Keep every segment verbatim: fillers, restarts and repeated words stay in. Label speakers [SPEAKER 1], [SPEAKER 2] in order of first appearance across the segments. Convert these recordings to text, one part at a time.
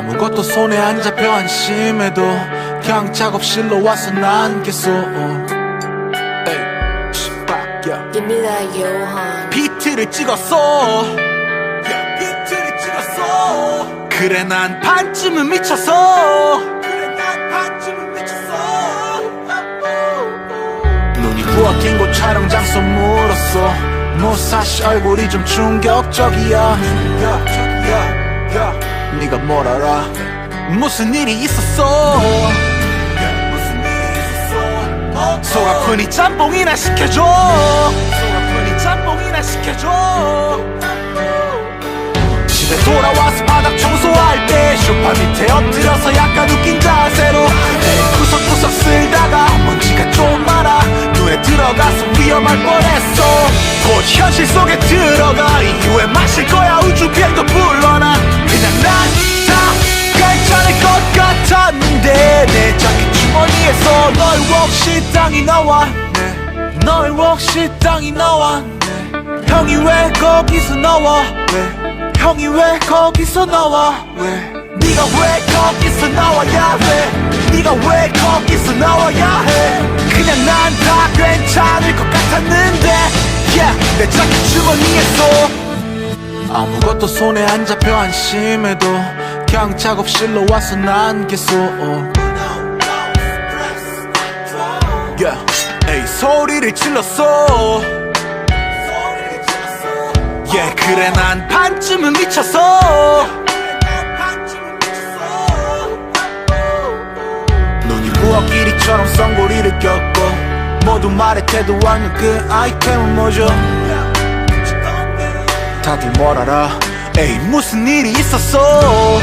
[SPEAKER 1] 아무것도 손에 안 잡혀 안심해도 그냥 작업실로 와서 난 계속 에이, yeah.
[SPEAKER 2] Give me that Johan.
[SPEAKER 1] 비트를 찍었어 yeah, 비트를 찍었어 그래 난 반쯤은 미쳤어 그래 난 반쯤은 미쳤어 눈이 부엌인 곳 촬영 장소 물었어 무사시 얼굴이 좀 충격적이야 충격적이야 네가 뭘 알아 무슨 일이 있었어 무슨 일이 있었어 속 아프니 짬뽕이나 시켜줘 속 아프니 짬뽕이나 시켜줘 집에 돌아와서 바닥 청소할 때 소파 밑에 엎드려서 약간 웃긴 자세로 구석구석 쓸다가 먼지가 좀 많아 눈에 들어가서 위험할 뻔했어 곧 현실 속에 들어가 이후에 마실 거야 우주비행도 불러나 그냥 난 다 괜찮을 것 같았는데 내 자켓 주머니에서 너의 웍시땅이 나와 너의 웍시땅이 나와 형이 왜 거기서 나와 왜 형이 왜 거기서 나와 왜 네가 왜 거기서 나와야 해 네가 왜 거기서 나와야 해 그냥 난 다 괜찮을 것 같았는데 yeah, 내 자켓 주머니에서 아무것도 손에 안 잡혀 안심해도 그냥 작업실로 와서 난 계속 yeah, 에이, 소리를 질렀어 yeah, 그래 난 반쯤은 미쳤어 눈이 부엌끼리처럼 썬고리를 꼈고 모두 말해 태도 않는 그 아이템은 뭐죠 다들 뭘 알아 에이 무슨 일이 있었어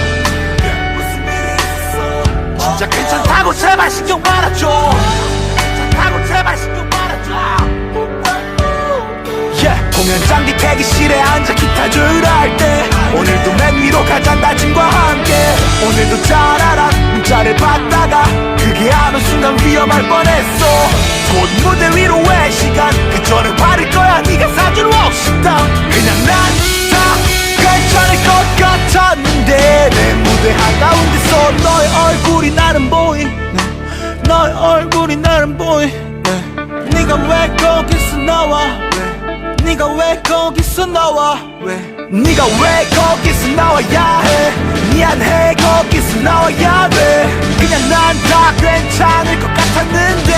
[SPEAKER 1] 진짜 괜찮다고 제발 신경 말아줘 괜찮다고 제발 신경 말아줘 yeah. 공연장 뒤 대기실에 앉아 기타줄 할때 오늘도 맨 위로 가자 다짐과 함께 오늘도 잘 알아 문자를 받다가 그게 안 온 순간 위험할 뻔했어 곧 무대 위로 왜 시간 그 전에 바를 거야 네가 사준 웍시땅 그냥 난 다 괜찮을 것 같았는데 내 무대 한가운데서 너의 얼굴이 나는 보이 네. 너의 얼굴이 나는 보이 네. 네가 왜 거기서 나와 왜 네가 왜 거기서 나와 왜 네가 왜 거기서 나와야 해 미안해 거기서 나와야 돼 그냥 난 다 괜찮을 것 같았는데